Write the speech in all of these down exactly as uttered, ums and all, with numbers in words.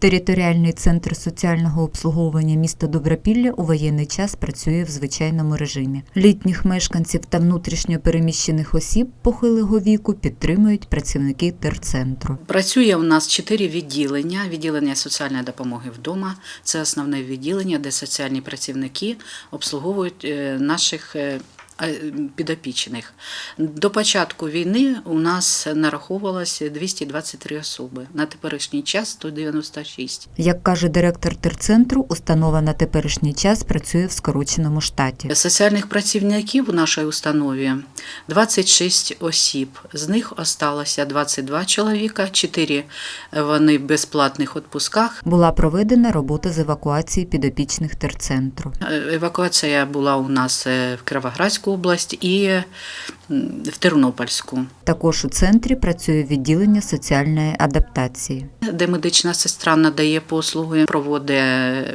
Територіальний центр соціального обслуговування міста Добропілля у воєнний час працює в звичайному режимі. Літніх мешканців та внутрішньо переміщених осіб похилого віку підтримують працівники терцентру. Працює у нас чотири відділення. Відділення соціальної допомоги вдома – це основне відділення, де соціальні працівники обслуговують наших підопічних. До початку війни у нас нараховувалося двісті двадцять три особи, на теперішній час – сто дев'яносто шість. Як каже директор терцентру, установа на теперішній час працює в скороченому штаті. Соціальних працівників у нашій установі двадцять шість осіб, з них залишилося двадцять два чоловіка, чотири вони в безплатних відпусках. Була проведена робота з евакуації підопічних терцентру. Евакуація була у нас в Кіровоградській область і в Тернопільську. Також у центрі працює відділення соціальної адаптації, де медична сестра надає послуги, проводить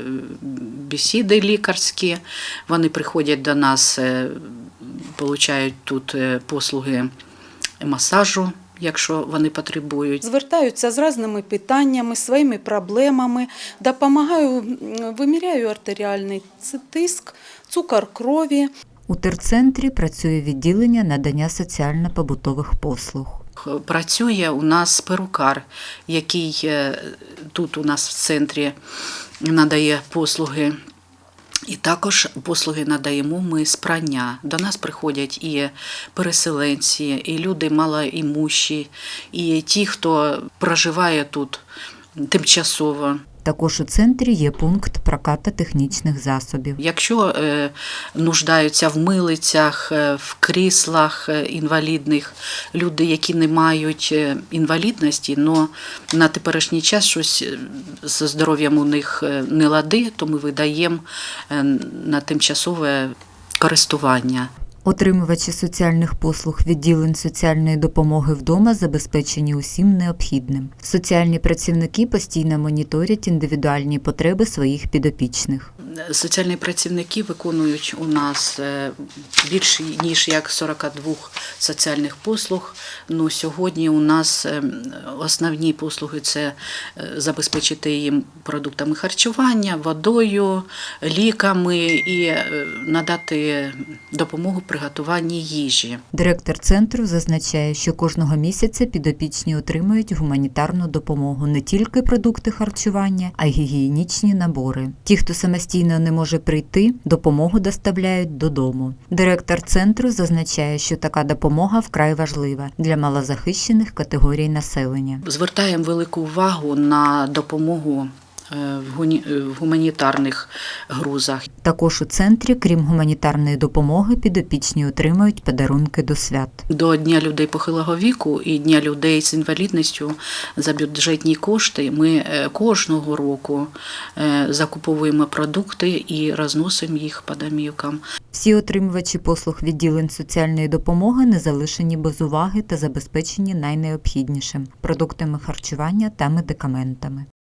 бесіди лікарські. Вони приходять до нас, отримують тут послуги масажу, якщо вони потребують. Звертаються з різними питаннями, своїми проблемами, допомагаю, виміряю артеріальний тиск, цукор крові. У терцентрі працює відділення надання соціально-побутових послуг. Працює у нас перукар, який тут у нас в центрі надає послуги. І також послуги надаємо ми з прання. До нас приходять і переселенці, і люди малоімущі, і ті, хто проживає тут тимчасово. Також у центрі є пункт прокату технічних засобів. Якщо е, нуждаються в милицях, в кріслах інвалідних, люди, які не мають інвалідності, але на теперішній час щось зі здоров'ям у них не лади, то ми видаємо на тимчасове користування. Отримувачі соціальних послуг відділень соціальної допомоги вдома забезпечені усім необхідним. Соціальні працівники постійно моніторять індивідуальні потреби своїх підопічних. Соціальні працівники виконують у нас більше ніж як сорок два соціальних послуг. Ну, сьогодні у нас основні послуги – це забезпечити їм продуктами харчування, водою, ліками і надати допомогу при готуванні їжі. Директор центру зазначає, що кожного місяця підопічні отримують гуманітарну допомогу, не тільки продукти харчування, а й гігієнічні набори. Ті, хто самостійно не може прийти, допомогу доставляють додому. Директор центру зазначає, що така допомога вкрай важлива для малозахищених категорій населення. Звертаємо велику увагу на допомогу в гуманітарних грузах. Також у центрі, крім гуманітарної допомоги, підопічні отримують подарунки до свят. До Дня людей похилого віку і Дня людей з інвалідністю за бюджетні кошти ми кожного року закуповуємо продукти і розносимо їх по домівкам. Всі отримувачі послуг відділень соціальної допомоги не залишені без уваги та забезпечені найнеобхіднішим – продуктами харчування та медикаментами.